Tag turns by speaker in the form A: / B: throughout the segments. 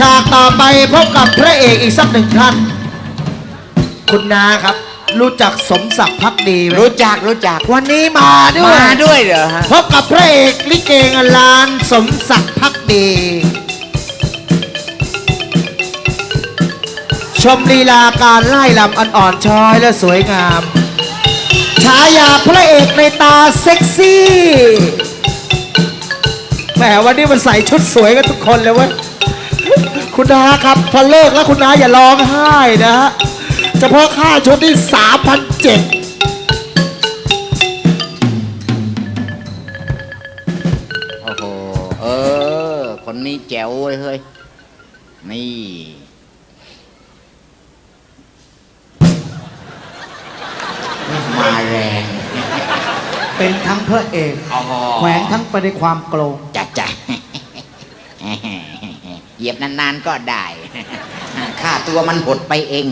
A: ากต่อไปพบกับพระเอกอีกสักหนึ่งท่านคุณนาครับรู้จักสมศักดิ์ภักดีไหม
B: รู้จัก
A: วันนี้มาด้วย
B: เหรอฮะ
A: พบกับพระเอกลิเกเงินล้านสมศักดิ์ภักดีชมลีลาการไล่ลำอ่อนๆช้อยและสวยงามฉายาพระเอกในตาเซ็กซี่แหมวันนี้มันใส่ชุดสวยกันทุกคนเลยเว้ยคุณนาครับพอเลิกแล้วคุณนาอย่าร้องไห้นะฮะเฉพาะค่าชุดที่3,700
B: โอ้โหคนนี้แจ๋วเลยเฮ้ยนี่มาแรง
A: เป็นทั้งพระเอกแขวงทั้งไปในความโกลง
B: จ้ะเหยียบนานๆก็ได้ค่าตัวมันหดไปเอง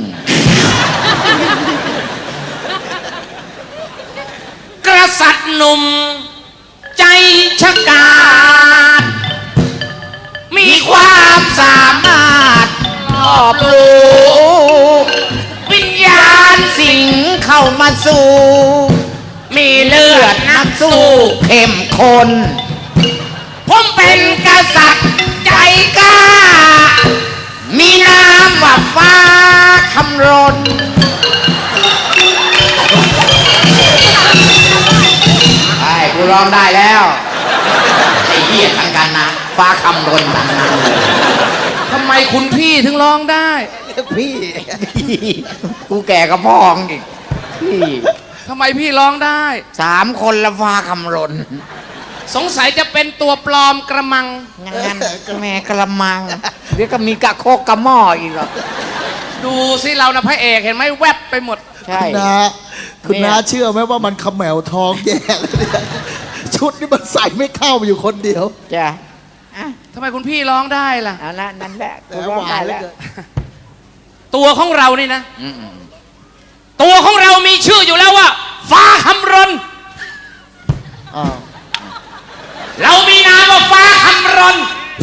C: กษัตริย์หนุ่มใจฉกาจมีความสามารถรอบรู้วิญญาณสิงเข้ามาสู่มีเลือดนักสู้เข้มข้นผมเป็นกษัตริย์ใจกล้ามีนามว่าฟ้าคำรณ
B: ไอ้กูร้องได้แล้วไอ้เหี้ยทั้งกันนะฟ้าคำรนทั้งนั้น
C: ทำไมคุณพี่ถึงร้องได้
B: พี่กูแก่กับพ่ออีกพี่
C: ทำไมพี่ร้องได้
B: 3 คนละฟ้าคำรน
C: สงสัยจะเป็นตัวปลอมกระมัง
B: งั้นแม่กระมังเดี๋ยวก็มีกะโคกกระหม้ออีกหรอ
C: ดูสิเรานะพระเอกเห็นไหมแวบไปหมด
B: ใช่
A: คุณน้าเชื่อไหมว่ามันขมแมวทองแย่เลยชุดนี้มันใส่ไม่เข้าอยู่คนเดียว
B: จ้ะ
C: ทำไมคุณพี่ร้องได้ล่ะ
B: เอาละนั่นแหละกูร้องได้แล้ว
C: ตัวของเรานี่นะตัวของเรามีชื่ออยู่แล้วว่าฟ้าคำรณเรามีนามว่าฟ้าคำรณ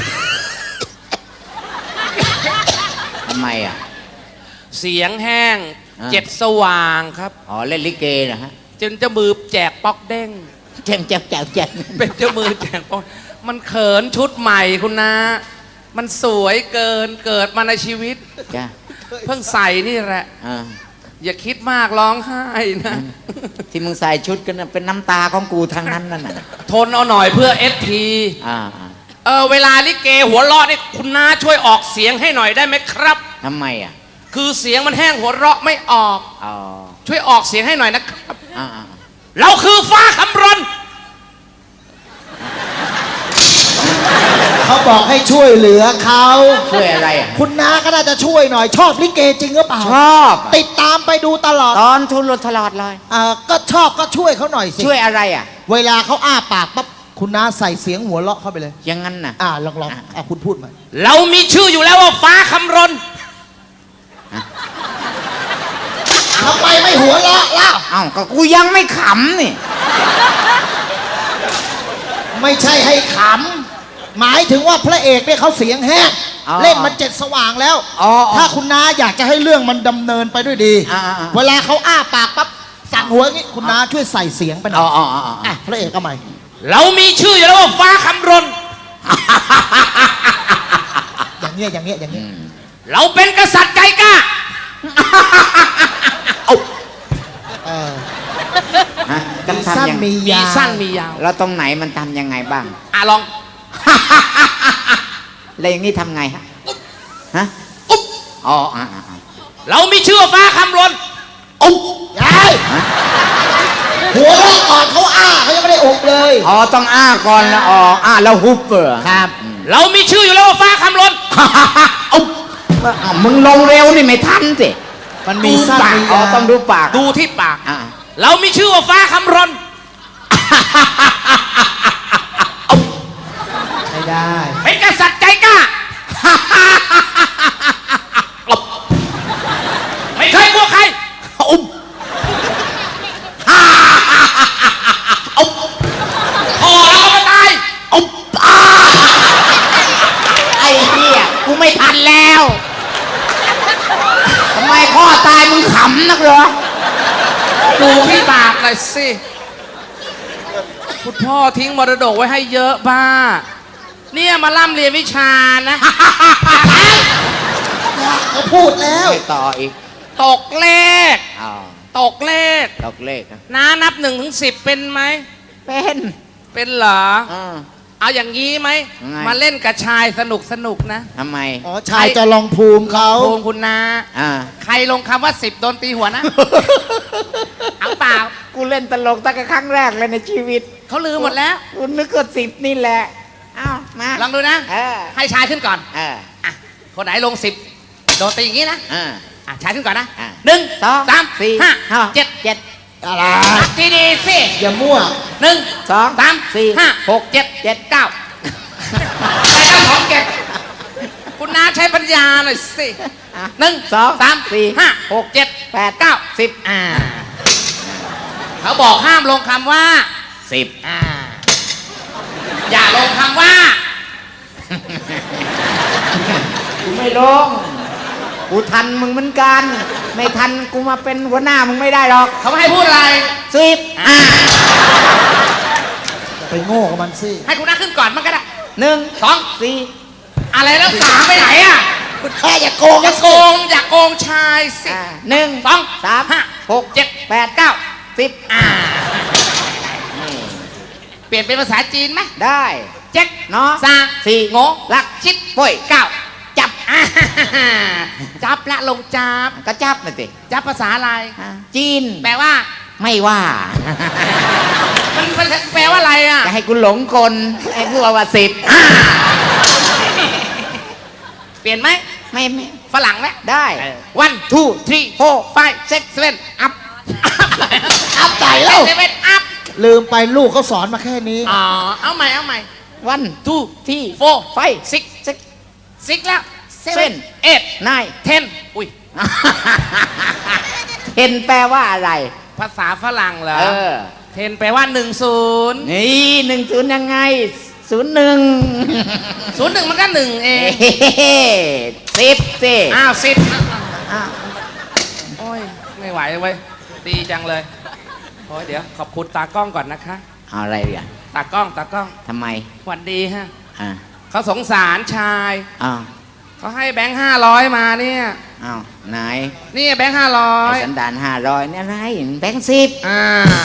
B: ทำไมอ่ะ
C: เสียงแห้งเจ็ดสว่างครับ
B: เล่นลิเกนะฮะ
C: จนเจ้ามือแจกป๊อกเด้ง
B: แจก
C: เป็นเจ้ามือแจกป๊อกมันเขินชุดใหม่คุณนะมันสวยเกิดมาในชีวิต
B: จ้ะ
C: เพิ่งใส่นี่แหละอย่าคิดมากร้องไห้นะ
B: ที่มึงใส่ชุดกันเป็นน้ำตาของกูทางนั้นนั่นน่ะ
C: ทนเอาหน่อยเพื่อSPเวลาลิเกหัวเราะนี่คุณน้าช่วยออกเสียงให้หน่อยได้ไหมครับ
B: ทำไมอ่ะ
C: คือเสียงมันแห้งหัวเราะไม่ออกช่วยออกเสียงให้หน่อยนะครับเราคือฟ้าคำรณ
A: เขาบอกให้ช่วยเหลือเขา
B: ช่วยอะไร
A: คุณน้าก็น่าจะช่วยหน่อยชอบลิเกจริงหรือเปล่า
B: ชอบ
A: ติดตามไปดูตลอด
B: ตอนทุนรถตลอดเลย
A: ก็ชอบก็ช่วยเขาหน่อยสิ
B: ช่วยอะไรอ่ะ
A: เวลาเขาอ้าปากปั๊บคุณน้าใส่เสียงหัวเราะเข้าไปเลย
B: อย่างนั้นน่ะ
A: ลองคุณพูดมา
C: เรามีชื่ออยู่แล้วว่าฟ้าคำรณ
A: ทำไมไม่หัวเราะล่ะ
B: ก็กูยังไม่ขำนี่
A: ไม่ใช่ให้ขำหมายถึงว่าพระเอกเนี่ยเขาเสียงแห้งเล่นมัน7 สว่างแล้วถ้าคุณน้าอยากจะให้เรื่องมันดำเนินไปด้วยดีเวลาเขาอ้าปากปั๊บสั่งหัวงี้คุณน้าช่วยใส่เสียงไปหน่อยพระเอกก็ใหม่
C: เรามีชื่ออยู่แล้วว่าฟ้าคำรณ
A: อย่างเงี้ย
C: เราเป็นกษัตริย์ใจกล้า
A: สั้นมียาว
B: แล้วตรงไหนมันทำยังไงบ้าง
C: ลอง
B: แล้วอย่างนี้ทำไงฮะ
C: เรามีชื่อฟ้าคำรณ
A: ยายหัวเราะก่อนเขาเขายังไม่ได้อกเลย
B: ต้องก่อนแล้วแล้วฮุบ
A: ครับ
C: เรามีชื่ออยู่แล้วว่าฟ้าคำรณ
B: มึงลงเร็วนี่ไม่ทันสิ
A: มันมีสั้นมียาว
B: ต้องดูปาก
C: ดูที่ปากเรามีชื่อว่าฟ้าคำรณ
A: ไม่ได้
C: เป็นกษัตริย์ใจกล้าไม่เคยกลัวใครพอแล้วก็ตาย
B: ไอ้เหี้ยกูไม่ทันแล้วทำไมพ่อตายมึงขำนักเหรอ
C: ดูพี่บาปหน่อยสิคุณพ่อทิ้งมรดกไว้ให้เยอะบ้าเนี่ยมาล่ำเรียนวิชานะ
A: เขาพูดแล้ว
B: ไม่ต่ออีก
C: ตกเลข
B: อ้าว
C: ตกเลข
B: ตกเลขนะ
C: น้านับ1 ถึง 10เป็นไหม
B: เป็น
C: เป็นเหรอ
B: อ่า
C: เอาอย่างนี้ไหม
B: ยังไง
C: มาเล่นกับชายสนุกนะ
B: ทำไม
A: อ๋อชายจะลองภูมิเขา
C: โกงคุณนา
B: อ่า
C: ใครลงคำว่า10โดนตีหัวนะ เอาเปล่า
B: กูเล่นตลกตั้งแต่ครั้งแรกเลยในชีวิต
C: เขาลืมหมดแล้ว
B: กูนึกว่า10นี่แหละอ้าวมา
C: ลองดูนะ
B: เออ
C: ให้ชายขึ้นก่อน
B: เออ
C: อ่ะคนไหนลง10โดนตีอย่างนี้นะ
B: อ่า
C: อ่ะชายขึ้นก่อนนะ
B: อ่ะ
C: 1
B: สอง
C: 3
B: สี่
C: 4 5
B: เจ็ด
C: 7
A: อะไร
C: นับดีๆสิ
A: อย่ามั่ว
C: 1
B: สอง
C: 3
B: สี่
C: 4 5 6 7 7 9ใช้ทั้งของเก็บคุณน้าใช้ปัญญาหน่อยสิ
B: อ่ะ
C: 1
B: สอง
C: 3
B: สี่
C: 4 5 6 7
B: 8
C: 9 10เขาบอกห้ามลงคำว่า
B: 10
C: อย่าลงคำว่า
B: กูไม่ลงกูทันมึงเหมือนกัน ไม่ทันกูมาเป็นหัวหน้ามึงไม่ได้หรอก
C: เขาไม่ให้พูดอะไร
B: 10
A: ไปโง่กับมันสิ
C: ให้คุณน้าขึ้นก่อนมันก็ได้
B: 1
C: 2
B: 4
C: อะไรแล้ว3ไปไหนอ่ะ
A: คุณแค่อย่าโกง
C: อย่าโกงอย่าโกงชายสิ
B: 1
C: 2
B: 3
C: 5
B: 6
C: 7
B: 8 9 10
C: เปลี่ยนเป็นภาษาจีนไหม
B: ได้
C: เจ๊ก
B: เนาะ
C: ซา
B: สี่
C: โง
B: ลัก
C: ชิด
B: ป่วย
C: เก้าจับจับละลงจับ
B: ก็จับนะสิ
C: จับภาษาอะไร
B: จีน
C: แปลว่า
B: ไม่ว่า
C: มันแปลว่าอะไรอ่ะ
B: จะให้กูหลงกลให้กูว่า10
C: เปลี่ยนไหม
B: ไม่
C: ฝรั่งไหม
B: ได้
C: 1 2 3 4 5 6 7 อัพ
A: อัพไหนแล้ว
C: 7 อัพ
A: ลืมไปลูกเขาสอนมาแค่นี้
C: อ๋อเอาใหม่
B: วัน
C: 2
B: ที่
C: 4
B: ไฟ
C: 6 6แล้ว
B: Seven
C: 7
B: นาย
C: 8 10อุ้ย
B: เห็นแปลว่าอะไร
C: ภาษาฝรั่งเหรอ
B: เออ
C: 10แปลว่า10
B: นี่10ยังไง01
C: 01มันก็1เอง
B: 10สิ
C: อ้าว10
B: อ้าว
C: โอ้ยไม่ไหวเว้ยดีจังเลยโอ้ยเดี๋ยวขอบคุณตากล้องก่อนนะคะ
B: เอาอะไรอ่ะ
C: ตากล้อง
B: ทำไม
C: สวัสดีฮะ
B: อ่า
C: เขาสงสารชาย
B: อ้าว
C: เขาให้แบงค์500มาเนี่ย
B: อ้าวไหน
C: นี่แบงค์
B: ไอ้
C: 500
B: สันดาน500เนี่ยอะไรแบงค์10
C: อ้าว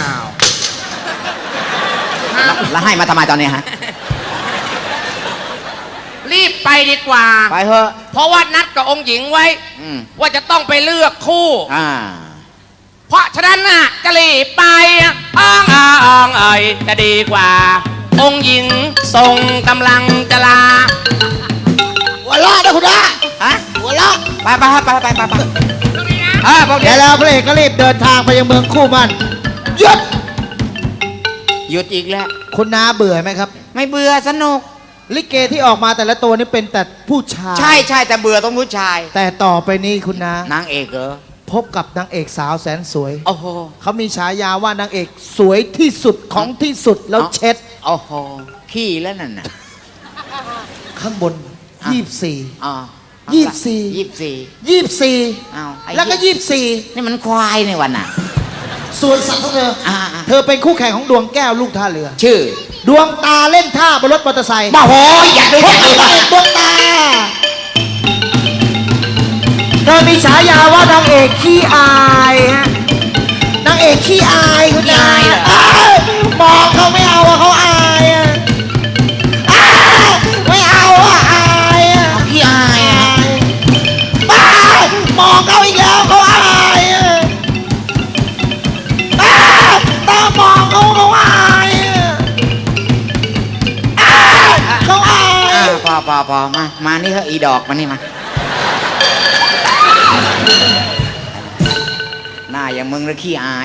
B: แล้วให้มาทำไมตอนนี้ฮะ
C: รีบไปดีกว่า
B: ไปเถอะ
C: เพราะว่านัดกับองค์หญิงไว้ ว่าจะต้องไปเลือกคู่ เพราะฉะนั้นน่ะจะรีบไปอ้องเอ่ยจะดีกว่า องค์หญิงทรงกำลังจะลา
A: หัวเราะนะคุณอา
B: ฮะ
A: หัวเราะ
B: ไปพวก
A: เดี๋
B: เดี๋
A: ย
B: ยว ว
A: แล้วพระเอกก็รีบเดินทางไปยังเมืองคู่มันหยุด
B: หยุดอีกแล้ว
A: คุณนาเบื่อไหมครับ
B: ไม่เบื่อสนุก
A: ลิเกที่ออกมาแต่ละตัวนี่เป็นแต่ผู้ชาย
B: ใช่แต่เบื่อต้องผู้ชาย
A: แต่ต่อไปนี้คุณนาน
B: างเอกเหรอ
A: พบกับนางเอกสาวแสนสวย
B: โอ้โห
A: เขามีฉายาว่านางเอกสวยที่สุดของที่สุดแล้วเช็ด
B: โอ้โหขี้แล้วนั่นน่ะ
A: ข้างบน
B: อ่ะ
A: 24
B: อ๋อ
A: 24
B: อ้าวไอ้
A: แล้วก็
B: เหี้ยนี่มันควายในวันน่ะ
A: 24 ส่วนสัตว์ของเธอ เธอเป็นคู่แข่งของดวงแก้วลูกท่าเรือ
B: ชื่อ
A: ดวงตาเล่นท่าบนรถมอเตอร์ไซค์
B: โอ้โหอยากดู
A: พบกับนางเอกดวงตา เธอมีฉายาว่านางเอกขี้อายฮะ นางเอกขี้อายคุณนายมองเขาไม่เอาอะเขาอายอะอ้าวไม่เอาอะอายอะ
B: พี่อายอ่ะ
A: บ้ามองเขาอีกแล้วเขาอายอะบ้าตามองเขาอายอะเขาอาย
B: พอมานี่เถอะอีดอกมานี่มาหน้าอย่างมึงแล้วขี้อาย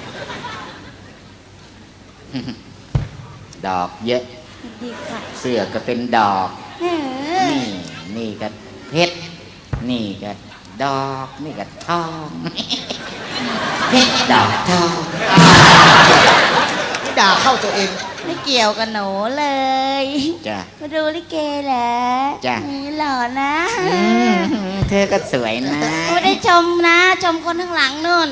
B: ดอกเยอะ
D: ดีค่ะ
B: เสื้อก็เป็นดอก นี่ก็เพชร นี่ก็ดอก นี่ก็ทอง เพชรดอกทอง
A: ด่าเข้าตัวเอง
B: พ
D: ไม่เกี่ยวกับหนูเลย
B: จ้ะ
D: มาดูลิเกเหรอ
B: จ้ะ
D: นี่หล่อนะ
B: เธอก็สวยนะ
D: ไม่ได้ชมนะ ชมคนข้างหลังนู่น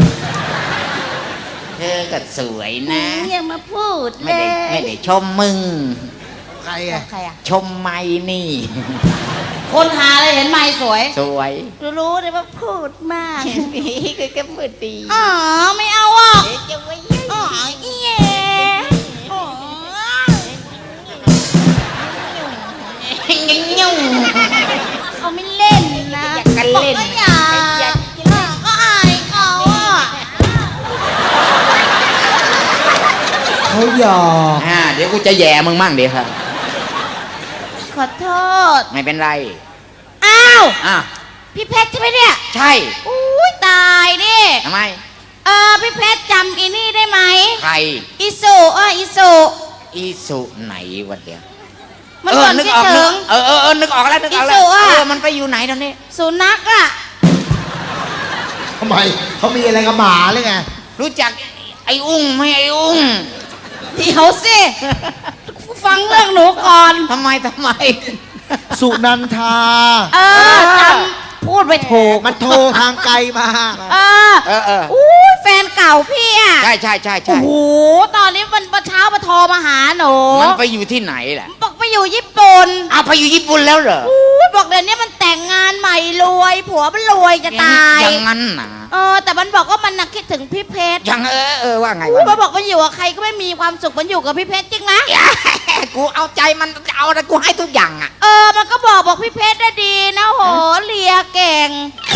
B: เธอก็สวยนะ
D: อย่ามาพูด
B: ไม่
D: เล
B: ได้
D: ย
B: ไม่ได้ชมมึง
A: ใครอ่ะ
D: ใครอ่ะ
B: ชมไม่นี่
D: คนหาเลยเห็นไม่สวย
B: สวย
D: รู้เลยว่าพูดมาก
B: นี่คือก็พูดดี
D: อ๋อไม่เอาอ่ะ
B: เอ๊ะจะไว้
D: อ๋อเย่อ๋อ
B: ยุ่ง
D: เขาไม่เล่นนะ
B: อยากกันเล่น
D: บอกว่าอย่าก็อายเขาอ่ะ
A: เขาหยอก
B: เดี๋ยวกูจะแย่มึงมั่งเดี๋ยวครับ
D: ขอโทษ
B: ไม่เป็นไร
D: อ้าว
B: อ่ะ
D: พี่เพชรใช่ไหมเนี่ย
B: ใช่
D: อุ้ยตายดิ
B: ทำไม
D: พี่เพชรจำอีนี่ได้ไหม
B: ใคร
D: อีสุอีสุ
B: อีสุไหนวะเดี๋ยว
D: มันก่อน
B: นึก
D: คิด
B: ออก
D: ถึง
B: นึกออกแล้วนึกออกแล้
D: อีสุ
B: ว
D: อะ
B: มันไปอยู่ไหนตอนนี้
D: สุนัขอ่ะ
A: ทำไมเขามีอะไรกับหมาเลยไง
B: รู้จักไอ้อุ้งไหมไอ้อุ้ง
D: เดี๋ยวสิ ฟังเรื่องหนูก่อน
B: ทำไม
A: สุนันทา
D: จำพูดไปถูก
A: มันโทรทางไกลมา
D: เออ
B: เออ
D: อุ้ยแฟนเก่าพี่อ่ะ
B: ใช่ใช่ใช่
D: โอ้
B: ใช่
D: โหตอนนี้วันเช้ามาโทรมาหาหนู
B: มันไปอยู่ที่ไหนแหละ
D: บอกไปอยู่ญี่ปุ่น
B: อ้าวไปอยู่ญี่ปุ่นแล้วเหรอ
D: อุ้ยบอกเดี๋ยวนี้มันแต่งงานใหม่รวยผัวมันรวยจะตาย
B: อย่างนั้นนะ
D: แต่มันบอกว่ามันน่ะคิดถึงพี่เพชร
B: อย่างว่าไง
D: อุ้ยว
B: ะ
D: มันบอกมันอยู่กับใครก็ไม่มีความสุขมันอยู่กับพี่เพชรจริงไหม
B: กูเอาใจมันจะเอาอะไรกูให้ทุกอย่างอ่ะ
D: มันก็บอกพี่เพชรได้ดีนะโหเลียเก่ง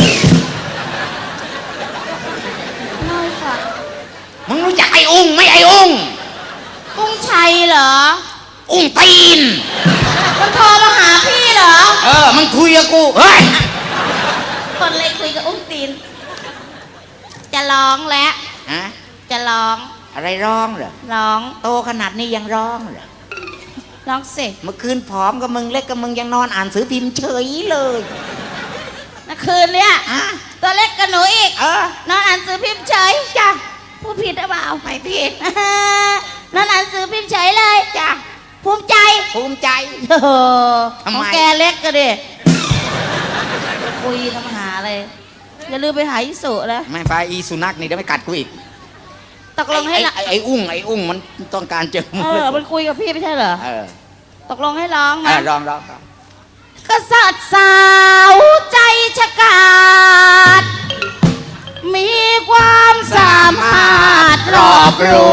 D: น้อยค่ะ
B: มึงรู้จักไอ้อุ้งไหมไอ้อุ้ง
D: กุ้งชัยเหรอ
B: อุ้งตีน
D: มันโทรมาหาพี่เหรอ
B: มันคุยกับกูเฮ้ย
D: คนเลยคุยกับอุ้งตีน จะร้องแล้ว
B: ฮะ
D: จะร้อง
B: อะไรร้องเหรอ
D: ร้อง
B: โตขนาดนี้ยังร้องเหรอ
D: ร้องสิ
B: เมื่อคืนผอมกับมึงเล็กกับมึงยังนอนอ่านสือพิมพ์เฉยเลย
D: เมื่อคืนเนี่ย
B: อ่ะ
D: ตัวเล็กกับหนูอีก นอนอ่านสือพิมพ์เฉย
B: จ้ะ
D: พูดผิดหรือเปล่า
B: ไม่ผิด
D: นอนอ่านสือพิมพ์เฉยเลย
B: จ้ะ
D: ภูมิใจ
B: ภูมิใจ
D: โอ้โห
B: ทำไม
D: ของแกเล็กก็ดิคุยทำหาเลยอย่าลืมไปหาอิสุแล้ว
B: ไม่ไปอีสุนัขนี่เดี๋ยวไม่กัดกูอีก
D: ตกลงให้ละ
B: ไอ้อุ้งมันต้องการเจอมึง
D: มันคุยกับพี่ไม่ใช่เหรอ
B: เออ
D: ตกลงให้ร้องไหม
B: ร้อง
D: กษัตริย์สาวใจฉกาจมีความสามารถรอบรู้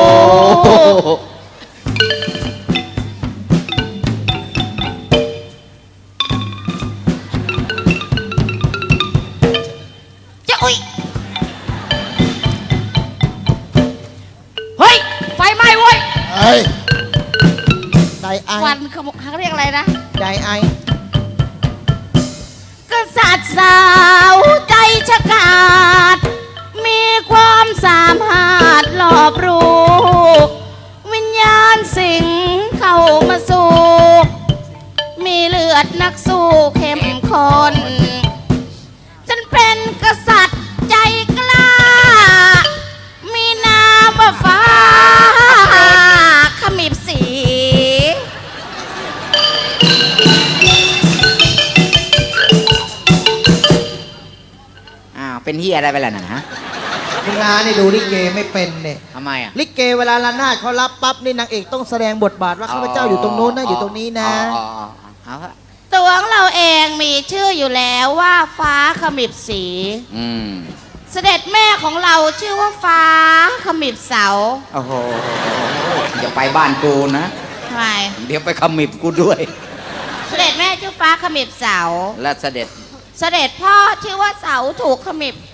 D: จะอุ้ยเฮ้ย ไฟไหม้เว้ย
A: เฮ้ย ไดไอ
D: ควันเขาเรียกอะไรนะ
A: ไดไอ
D: กษัตริย์สาวใจฉกาจมีความสามารถรอบรู้วิญญาณสิงเข้ามาสู่มีเลือดนักสู้เข้มข้นฉันเป็นกษัตริย์ใจกล้า มีนามว่าฟ้าขมิบสี
B: เป็นเฮียอะไรไปล่ะนะฮะ
A: คุณนานี่ดูลิเกไม่เป็นเนี่ย
B: ทำไมอ่ะ
A: ลิเกเวลาระนาดเขารับปั๊บนี่นางเอกต้องแสดงบทบาทว่าข้าพเจ้าอยู่ตรงโน้นนะอยู่ตรงนี้นะ
B: เอาฮะ
D: ตัวของเราเองมีชื่ออยู่แล้วว่าฟ้าขมิบสี เสด็จแม่ของเราชื่อว่าฟ้าขมิบเสา
B: โอ้โหอย่าไปบ้านกูนะ
D: ทำไม
B: เดี๋ยวไปขมิบกูด้วย
D: เสด็จแม่ชื่อฟ้าขมิบเสา
B: และเสด็จ
D: เสด็จพ่อชื่อว่าเสาถูกขมิบ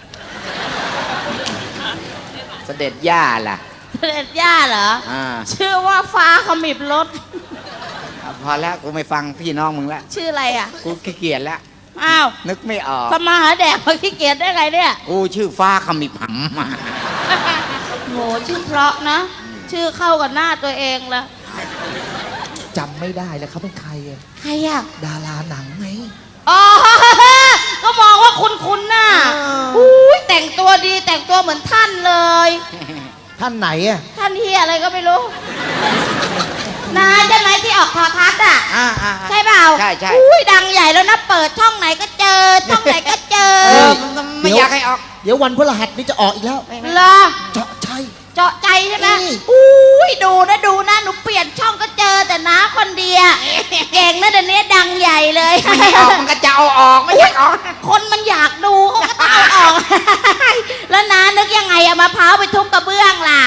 B: เสด็จย่าล่ะ
D: เสด็จย่าเหรอ ชื่อว่าฟ้าขมิบรถ
B: พอแล้วกูไม่ฟังพี่น้องมึงแล้ว
D: ชื่ออะไรอ่ะ
B: กูขี้เกียจแล้ว
D: อ้าว
B: นึกไม่ออก
D: ทำมาหาแดกมาขี้เกียจได้ไงเนี่ย
B: กูชื่อฟ้าขมิบหำมา
D: โหชื่อเพราะนะ ชื่อเข้ากับหน้าตัวเองละ
A: จำไม่ได้แล้วเขาเป็นใครอะ
D: ใครอ่ะ
A: ดาราหนังไง
D: อ๋อ ก็มองว่าคุณน่ะ
A: อ่า
D: อุ้ยแต่งตัวดีแต่งตัวเหมือนท่านเลย
A: ท่านไหนอะ
D: ท่านเฮียอะไรก็ไม่รู้นาใช่ไหมที่ออกโทอทัศน์อ่ะ ใช่เปล่า
B: ใช่ใช่
D: อุ้ยดังใหญ่แล้วนะเปิดช่องไหนก็เจอ ช่องไหนก็เจอ
B: ไม่อยากให้ออก
A: เดี๋ยววันพฤหัสนี้จะออกอีกแล้ว
D: เหรอ
A: เจาะชัย
D: เจาะใจใช่ไหม
A: นี่
D: อุ้ยดูนะหนูเปลี่ยนช่องก็เจอแต่น้าคนเดียวเก่งนะเดี๋ยวนี้ดังใหญ่เลย
B: ไม่ให้ออกมันก็จะเอาออกไม่อยากออก
D: คนมันอยากดูเขาก็ต้องเอาออก แล้วน้านึกยังไงเอามะพร้าวไปทุบกระเบื้องล่ะ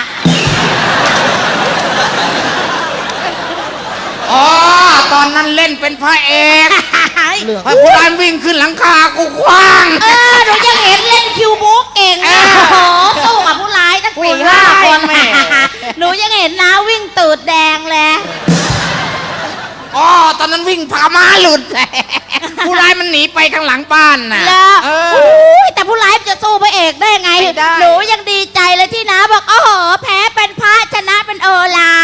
B: อ๋อตอนนั้นเล่นเป็นพระเอก
A: เรื่อง
B: พระผู้ร้านวิ่งขึ้นหลังคากูคว้าง
D: หนูยังเห็นเล่นคิวบุ๊กเก่งนะโอ้โหสู้กับผู้ร้ายตั้ง4-5 คน หนูยังเห็นน้าวิ่งตูดแดงเลย
B: อ๋อตอนนั้นวิ่งพาม้าหลุด ผู้ร้ายมันหนีไปข้างหลังบ้านน่ะ
D: แล้ว
B: เออ
D: อุ้ยแต่ผู้ร้ายจะสู้พระเอกได้ไง
B: ไม่ได้
D: หนูยังดีใจเลยที่น้าบอกโอ้โหแพ้เป็นพระชนะเป็นโอฬาร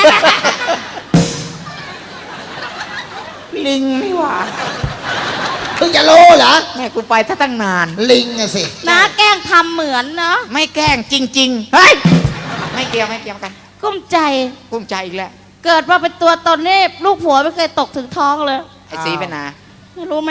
B: ลิงนี่หว่า
A: เพิ่งจะรู้เหรอ
B: แม่กูไปตั้งนาน
A: ลิงอะสิ
D: น้าแกล้งทำเหมือนเนาะ
B: ไม่แกล้งจริงๆเฮ้ยไม่เกี่ยวกัน
D: กุ้มใจ
B: กุ้มใจอีกแล้ว
D: เกิดมาเป็นตัวตนนี่ลูกผัวไม่เคยตกถึงท้องเลย
B: ไอ้สีเป็นนา
D: ไม่รู้ไหม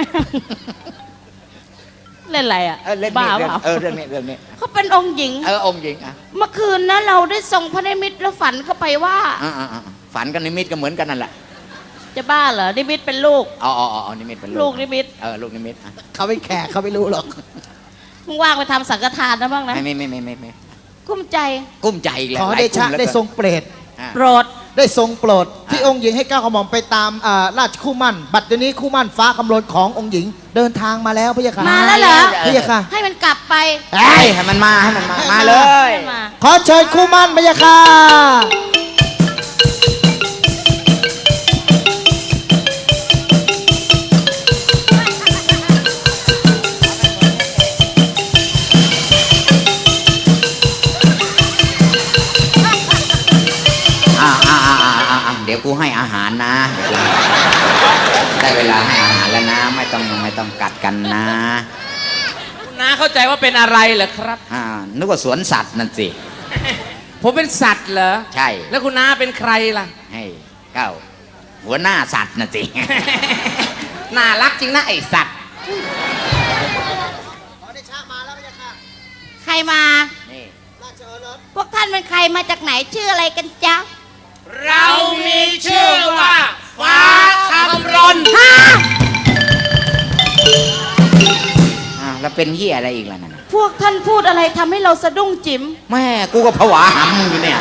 D: เล่นอะไรอ่ะ
B: เล่น
D: บ้า
B: นี่
D: เปล่า
B: เรื่องนี้
D: เขาเป็นองค์หญิง
B: องค์หญิงอ่ะ
D: เมื่อคืนนะเราได้ทรงพระนิมิตแล้วฝันเข้าไปว่า
B: ฝันกับนิมิตก็เหมือนกันนั่นแหละ
D: จะบ้าเหรอนิมิตเป็นลูก
B: อ๋อนิมิตเป็น
D: ลูกนิมิต
B: ลูกนิมิตอ่ะ
A: เขาเป็นแขกเขาไม่รู้หรอก
D: มึงว่างไปทำสังฆทานนะบ้างนะ
B: ไม่
D: กุ้มใจ
B: กุ้มใจอีกแล้ว
A: ขอ
B: หลาย
A: เด
B: กุ้
A: ชะ
B: มหลือ
A: ได้
B: เกิน
A: ทรงเปรต
B: อ่ะ
D: โปรด
A: ได้ทรงโปรด ที่องค์หญิงให้ก้าวกระหม่อมไปตามราชคู่มั่น บัดเดี๋ยวนี้คู่มั่นฟ้าคำลนขององค์หญิง เดินทางมาแล้วพะยะค่ะ
D: มาแล้วเหรอ
A: พะยะค่ะ
D: ให้มันกลับไป
B: ให้มันมามาเลย
D: ให้มา
A: ขอเชิญคู่มั่นพะยะค่ะ
B: เดี๋ยวกูให้อาหารนะได้เวลาให้อาหารแล้วนะไม่ต้องกัดกันนะ
C: คุณน้าเข้าใจว่าเป็นอะไรเหรอครับ
B: นึกว่าสวนสัตว์นั่นสิ
C: ผมเป็นสัตว์เหรอ
B: ใช่
C: แล้วคุณน้าเป็นใครล่ะ
B: ให้เก้าหัวหน้าสัตว์นั่นสิ
C: น่ารักจริงนะไอสัตว์
A: ขอเดชะมาแล้วพะยะค่ะ
D: ใครมา
B: นี่
A: ราชโอรส
D: พวกท่านเป็นใครมาจากไหนชื่ออะไรกันจ๊ะ
C: เรามีชื่อว่าฟ้าคำรน
B: แล้วเป็นเหี้ยอะไรอีกล่ะนั่น
D: พวกท่านพูดอะไรทำให้เราสะดุ้งจิ๋ม
B: แม่กูก็ผวาหำมึงอยู่เนี่ย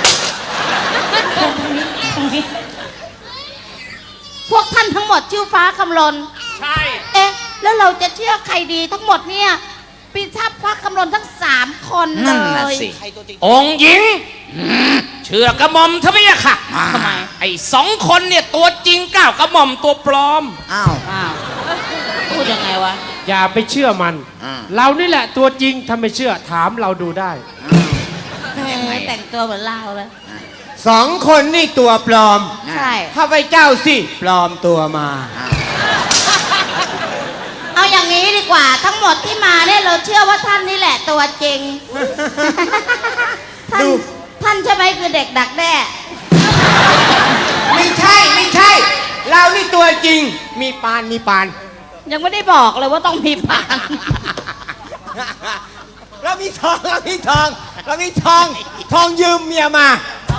D: พวกท่านทั้งหมดชื่อฟ้าคำลน
C: ใช่
D: เอ๊ะ แล้วเราจะเชื่อใครดีทั้งหมดเนี่ยปีทัพฟ้าคำลนทั้ง3 คนเล
B: นั่นน่ะ
D: ย
B: สิ
C: องค์หญิงเชื่อกระหม่อมทำไมอะค่ะ
D: ทำไม
C: ไอ้2 คนเนี่ยตัวจริงก้าวกระหม่อมตัวปลอม
B: อ้าว
D: อ้าวพูดยังไงวะ
E: อย่าไปเชื่อมัน
B: อ่า
E: เรานี่แหละตัวจริงถ้าไม่เชื่อถามเราดูได้
D: แต่งตัวเหมือนเราเลย
E: 2 คนนี่ตัวปลอม
D: ใช่
E: ข้าพเจ้าสิปลอมตัวมา
D: เอาอย่างนี้ดีกว่าทั้งหมดที่มาเนี่ยเราเชื่อว่าท่านนี่แหละตัวจริง ท่าน
E: ดู
D: ท่านใช่ไหมคือเด็กดักแด้
E: ไม่ใช่ เรานี่ตัวจริง มีปาน
D: ยังไม่ได้บอกเลยว่าต้องมีปาก
E: เรามีทองทองยืมเมียมา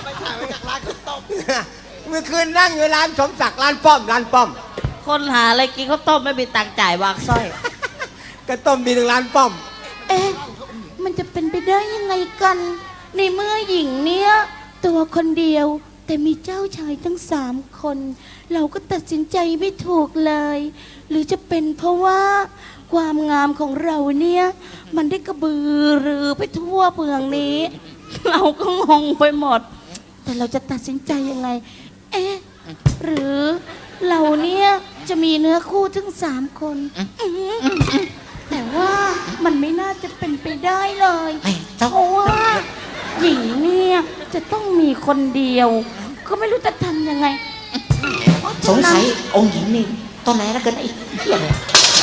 E: เมื่อคืนนั่งอยู่ร้านสมศักดิ์ร้านป้อม
D: คนหาอะไรกินข้าวต้มไม่มีตังค์จ่ายวางสร้อย
E: ก็ต้มมีถึงร้านป้อม
D: เอ๊ะ มันจะเป็นไปได้ยังไงกัน ในเมื่อหญิงเนี้ยตัวคนเดียว แต่มีเจ้าชายทั้ง3 คน เราก็ตัดสินใจไม่ถูกเลย หรือจะเป็นเพราะว่าความงามของเราเนี่ย มันได้กระบือรือไปทั่วเมืองนี้ เราก็งงไปหมด แต่เราจะตัดสินใจยังไง เอ๊ะ หรือเราเนี่ยจะมีเนื้อคู่ทั้ง3 คนแต่ว่ามันไม่น่าจะเป็นไปได้เลย เพราะว่าหญิงเนี่ยจะต้องมีคนเดียว ก็ไม่รู้จะทำยังไง
B: สงสัยองค์หญิงนี่ตอนไหนแล้วกันไอ้เหี้ยเนี่ย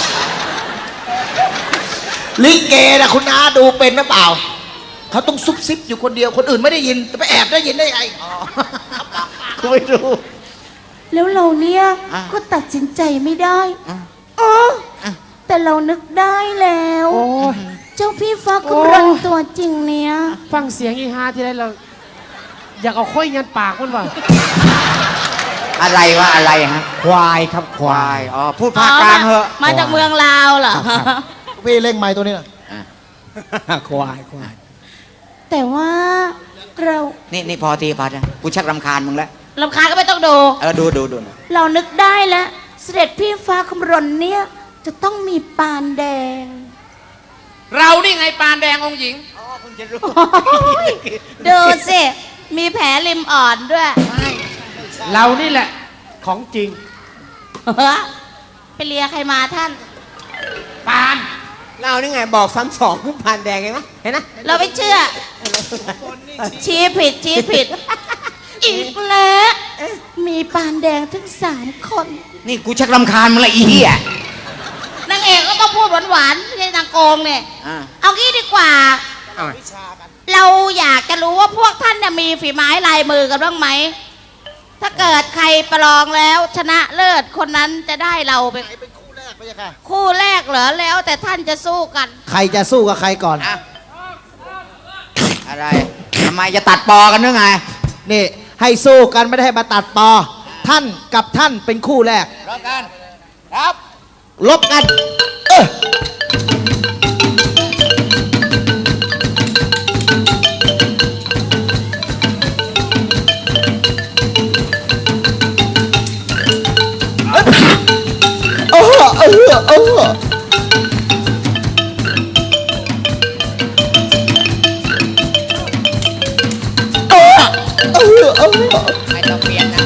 A: ลิเกนะคุณอาดูเป็นหรือเปล่า เขาต้องซุบซิบอยู่คนเดียวคนอื่นไม่ได้ยินจะไปแอบได้ยินได้ไง
B: กูไม่รู้
D: แล้วเราเนี่ย
B: อ่ะ
D: ก็ตัดสินใจไม่ได้
B: อ่ะ
D: อ๋อ
B: อ่ะ
D: แต่เรานึกได้แล้ว
F: โอ้ย
D: เจ้าพี่ฟ้าคำรณตัวจริงเนี่ย
F: ฟังเสียงอีฮาที่ไรเรา อยากเอาค่อยยันปากมันว่ะ
B: อะไรวะอะไรฮะ
A: ควายครับควา
B: ควาย ยอ๋อพูดภาคกลางเหอะ
D: มาจากเมืองลาวเหรอ
A: พี่เล่งไม้ตัวนี้หน่อย
F: ควายควาย
D: แต่ว่าเรา
B: นี่พอทีพอนะกูชักรำคาญมึงแล้ว
D: ลำคาญก็ไม่ต้องดู
B: ดู
D: เรานึกได้แล้ว เสด็จพี่ฟ้าคำรณเนี่ยจะต้องมีปานแดง
C: เรานี่ไงปานแดงองค์หญิง
D: โอ้ยดูสิ มีแผลริมอ่อนด้วย
F: เรานี่แหละ ของจริง
D: ไปเลียใครมาท่าน
C: ปาน
E: เรานี่ไงบอกซ้ำสองผ่านแดงเห็นไหมเห็นไหม
D: เราไม่เชื่อ ชี้ผิด อีกแล้ว มีปานแดงถึง3 คน
B: นี่กูชักรำคาญมึงละอีเหี้ย
D: นางเอกก็ต้องพูดหวานๆไม่ใช่นางโกงเนี่ย
B: อ่า
D: เอางี้ดีกว่า เราอยากจะรู้ว่าพวกท่านเนี่ยมีฝีไม้ลายมือกันบ้างไหม ถ้าเกิดใครประลองแล้วชนะเลิศคนนั้นจะได้เราเป็น
A: เป็นคู่แรกไปยังค่ะ
D: คู่แรกเหรอแล้วแต่ท่านจะสู้กัน
A: ใครจะสู้กับใครก่อน
B: อ่ะอะไรทำไมจะตัดปอกันหรือไง
A: นี่ให้สู้กันไม่ได้ให้มาตัดปอ ท่านกับท่านเป็นคู่แรก
B: รบกันครับ
A: ลบกัน เออ
B: ไม่ต้องเปลี่ยนนะ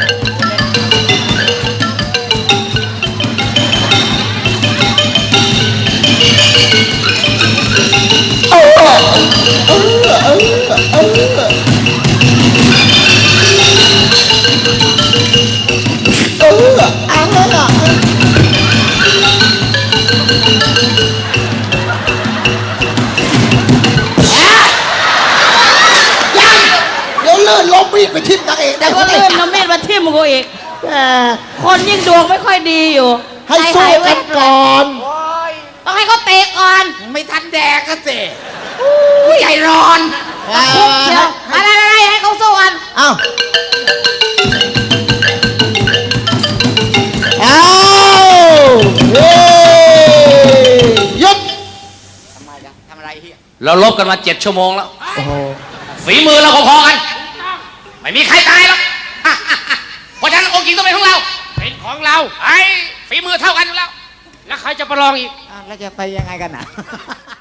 A: เดี๋ยวเลื่อนล้มมีดไปทิ่มนางเอก
D: แต่
A: ได้
D: ก็ลื่นน้ำมีดมาทิ่มกูอีกคนยิ่งดวงไม่ค่อยดีอยู่
A: ให้สู้กันก่อน
D: ต้องให้เขาเตะก่อน
B: ไม่ทันแดกก็สิใจร้อน
D: คุกเชียวอะไรให้เขาสู้กัน
A: เอ้าเฮ้ยหยุด
B: ทำอะไรเฮีย
C: เราลบกันมา7 ชั่วโมงแล้ว
A: โอ้โห
C: ฝีมือเราพอๆกัน ไม่มีใครตายหรอก เพราะฉะนั้นองค์หญิงต้องเป็นของเรา
F: เป็นของเรา
C: ไอ้ฝีมือเท่ากันอยู่แล้ว
F: แล้วใครจะประลองอีก
B: แล้วจะไปยังไงกันน่ะ